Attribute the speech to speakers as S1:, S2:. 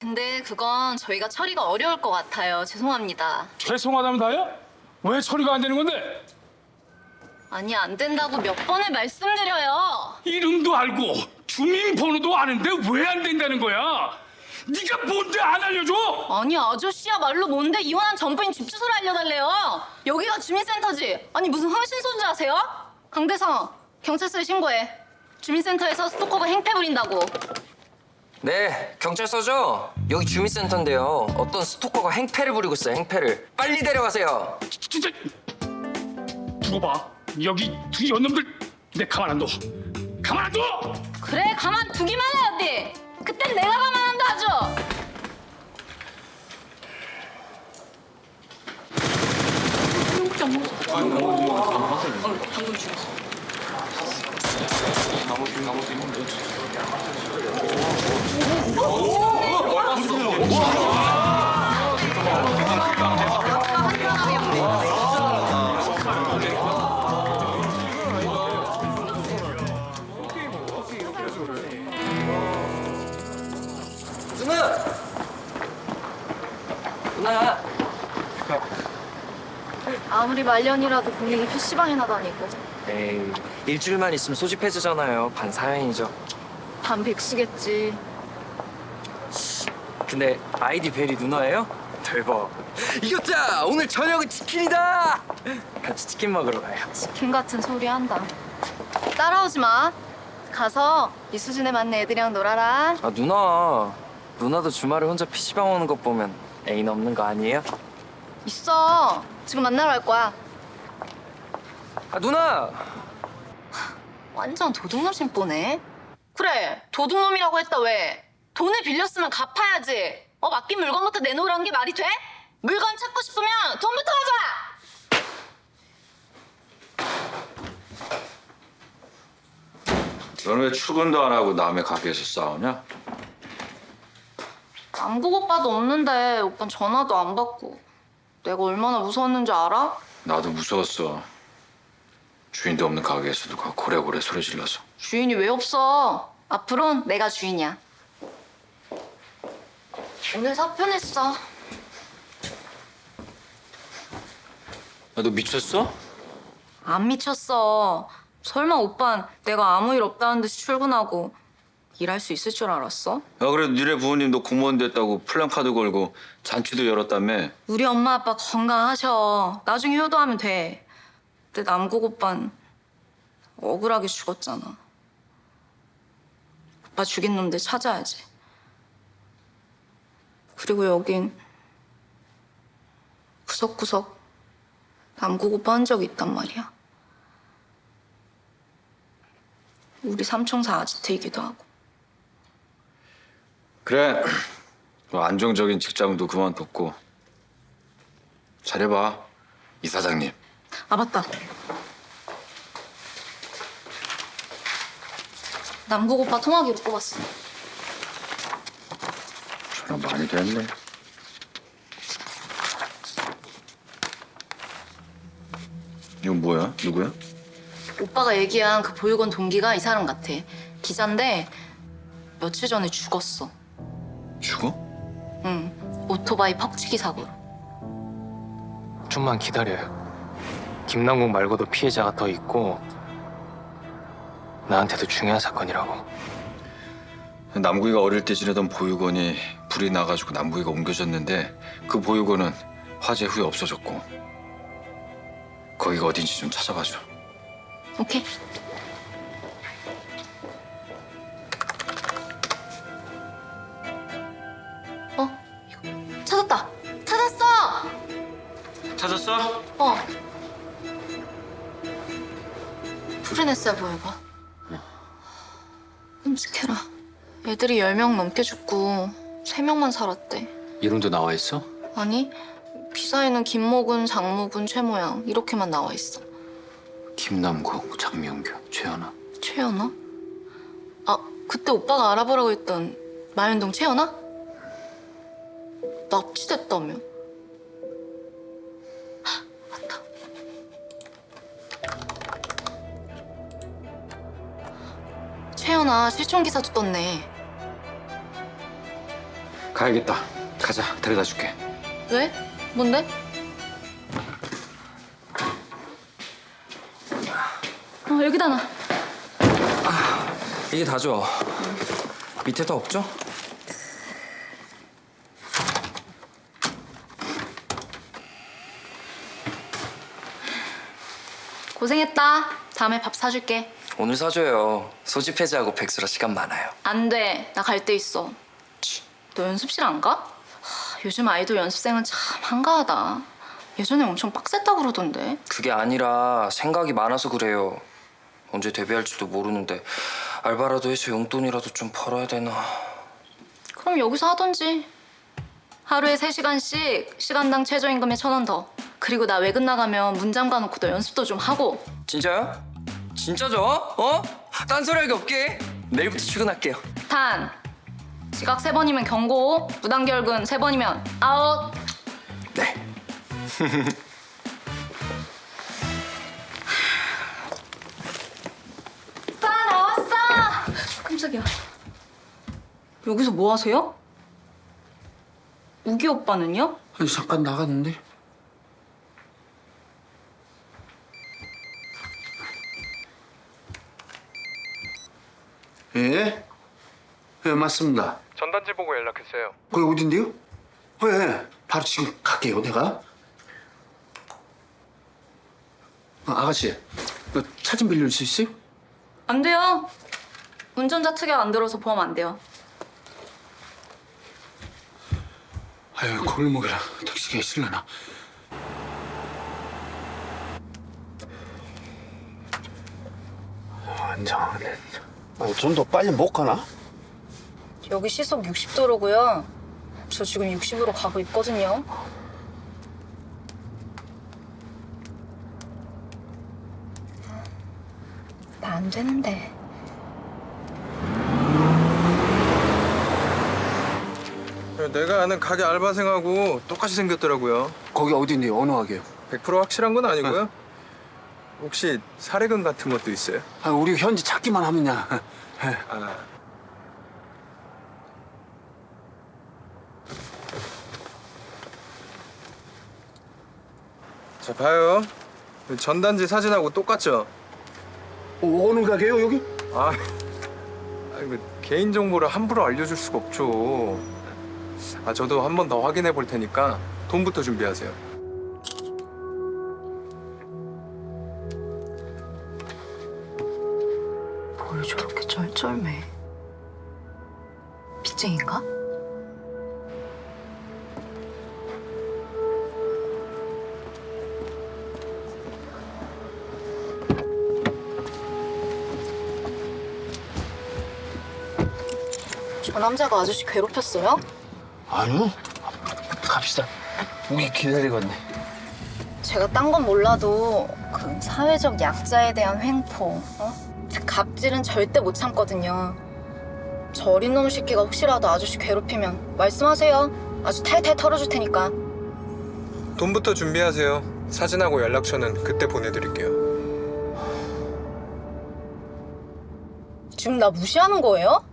S1: 근데 그건 저희가 처리가 어려울 것 같아요. 죄송합니다.
S2: 죄송하다면 다야? 왜 처리가 안 되는 건데?
S1: 아니, 안 된다고 몇 번을 말씀드려요.
S2: 이름도 알고 주민번호도 아는데 왜 안 된다는 거야? 네가 뭔데 안 알려줘?
S1: 아니, 아저씨야 말로 뭔데 이혼한 전부인 집 주소를 알려달래요. 여기가 주민센터지. 아니, 무슨 흥신소인지 아세요? 강대성, 경찰서에 신고해. 주민센터에서 스토커가 행패 부린다고.
S3: 네, 경찰서죠? 여기 주민센터인데요. 어떤 스토커가 행패를 부리고 있어요, 행패를. 빨리 데려가세요.
S2: 진짜 두고 봐. 여기 두 연놈들 내 가만 안 둬. 가만 안 둬!
S1: 그래, 가만두기만 해, 어디. 그땐 내가 가만한다, 아주. 방금 죽었어.
S3: 누나! 누나!
S1: 아무리 말년이라도 본인이 PC방이나 다니고
S3: 에이, 일주일만 있으면 소집 해주잖아요. 반사연이죠.
S1: 반 백수겠지.
S3: 근데 아이디 벨이 누나예요? 대박. 이겼자! 오늘 저녁은 치킨이다! 같이 치킨 먹으러 가요.
S1: 치킨 같은 소리 한다. 따라오지 마. 가서 이 수준에 맞는 애들이랑 놀아라.
S3: 아, 누나. 누나도 주말에 혼자 PC방 오는 것 보면 애인 없는 거 아니에요?
S1: 있어. 지금 만나러 갈 거야.
S3: 아, 누나!
S1: 완전 도둑놈 심보네. 그래, 도둑놈이라고 했다 왜? 돈을 빌렸으면 갚아야지. 맡긴 물건부터 내놓으라는 게 말이 돼? 물건 찾고 싶으면 돈부터 가져와!
S4: 너는 왜 출근도 안 하고 남의 가게에서 싸우냐?
S1: 남국 오빠도 없는데 오빤 전화도 안 받고. 내가 얼마나 무서웠는지 알아?
S4: 나도 무서웠어. 주인도 없는 가게에서 누가 고래고래 소리 질러서.
S1: 주인이 왜 없어? 앞으론 내가 주인이야. 오늘 사표 냈어.
S4: 야, 너 미쳤어?
S1: 안 미쳤어. 설마 오빤 내가 아무 일 없다는 듯이 출근하고 일할 수 있을 줄 알았어?
S4: 야, 그래도 니네 부모님 너 공무원 됐다고 플랜카드 걸고 잔치도 열었다며.
S1: 우리 엄마 아빠 건강하셔. 나중에 효도하면 돼. 근데 남국 오빤 억울하게 죽었잖아. 오빠 죽인 놈들 찾아야지. 그리고 여긴 구석구석 남국 오빠 흔적이 있단 말이야. 우리 삼총사 아지트이기도 하고.
S4: 그래. 너 안정적인 직장도 그만뒀고. 잘해봐, 이 사장님.
S1: 아, 맞다. 남국 오빠 통화기로 뽑았어.
S4: 전화 많이 됐네. 이건 뭐야? 누구야?
S1: 오빠가 얘기한 그 보육원 동기가 이 사람 같아. 기자인데 며칠 전에 죽었어.
S4: 죽어?
S1: 응, 오토바이 퍽치기 사고로.
S5: 좀만 기다려요. 김남국 말고도 피해자가 더 있고 나한테도 중요한 사건이라고.
S4: 남구이가 어릴 때 지내던 보육원이 불이 나가지고 남구이가 옮겨졌는데 그 보육원은 화재 후에 없어졌고 거기가 어딘지 좀 찾아봐줘.
S1: 오케이. 이거 찾았다. 찾았어.
S4: 찾았어?
S1: 프리네스야 보여봐. 끔찍해라. 애들이 10명 넘게 죽고 3명만 살았대.
S5: 이름도 나와 있어?
S1: 아니, 기사에는 김모군, 장모군, 최모양 이렇게만 나와 있어.
S5: 김남국, 장명규, 최연아.
S1: 최연아? 아, 그때 오빠가 알아보라고 했던 마현동 최연아? 납치됐다며. 헉, 맞다. 최연아 실종 기사도 떴네.
S4: 가야겠다. 가자, 데려다 줄게.
S1: 왜? 뭔데? 여기다 놔.
S3: 이게 다죠? 밑에 더 없죠?
S1: 고생했다. 다음에 밥 사줄게.
S3: 오늘 사줘요. 소집 해제하고 백수라 시간 많아요.
S1: 안 돼. 나 갈 데 있어. 너 연습실 안 가? 요즘 아이돌 연습생은 참 한가하다. 예전에 엄청 빡셌다 그러던데.
S3: 그게 아니라 생각이 많아서 그래요. 언제 데뷔할지도 모르는데 알바라도 해서 용돈이라도 좀 벌어야 되나.
S1: 그럼 여기서 하던지. 하루에 3시간씩 시간당 최저임금에 1,000원 더. 그리고 나 외근 나가면 문 잠가놓고 너 연습도 좀 하고.
S3: 진짜요? 진짜죠? 어? 딴소리하기 없게. 내일부터 출근할게요.
S1: 단. 지각 3번이면 경고. 무단결근 3번이면 아웃.
S3: 네.
S1: 오빠 나왔어. 깜짝이야. 여기서 뭐 하세요? 우기 오빠는요?
S6: 아니 잠깐 나갔는데. 예? 예, 맞습니다.
S5: 전단지 보고 연락했어요.
S6: 거기 어딘데요? 예, 바로 지금 갈게요, 내가. 아가씨, 차 좀 빌릴 수 있어요?
S1: 안 돼요. 운전자 특약 안 들어서 보험 안 돼요.
S6: 아유, 골목이라 택시가 있을려나. 안정하네. 좀 더 빨리 못 가나?
S1: 여기 시속 60도로고요. 저 지금 60으로 가고 있거든요. 나 안 되는데.
S7: 내가 아는 가게 알바생하고 똑같이 생겼더라고요.
S6: 거기 어딘데요? 어느 가게요?
S7: 100% 확실한 건 아니고요. 혹시 사례금 같은 것도 있어요?
S6: 아, 우리 현지 찾기만 하면야.
S7: 아, 자 봐요. 전단지 사진하고 똑같죠?
S6: 어느 가게요, 여기?
S7: 아, 이거 개인 정보를 함부로 알려줄 수가 없죠. 아, 저도 한 번 더 확인해 볼 테니까 돈부터 준비하세요.
S1: 뭘 저렇게 쩔쩔매. 빚쟁인가? 저 남자가 아저씨 괴롭혔어요?
S6: 아니요. 갑시다. 우리 기다리겠네.
S1: 제가 딴 건 몰라도 그 사회적 약자에 대한 횡포, 갑질은 절대 못 참거든요. 저 어린 놈 새끼가 혹시라도 아저씨 괴롭히면 말씀하세요. 아주 탈탈 털어줄 테니까.
S7: 돈부터 준비하세요. 사진하고 연락처는 그때 보내드릴게요.
S1: 지금 나 무시하는 거예요?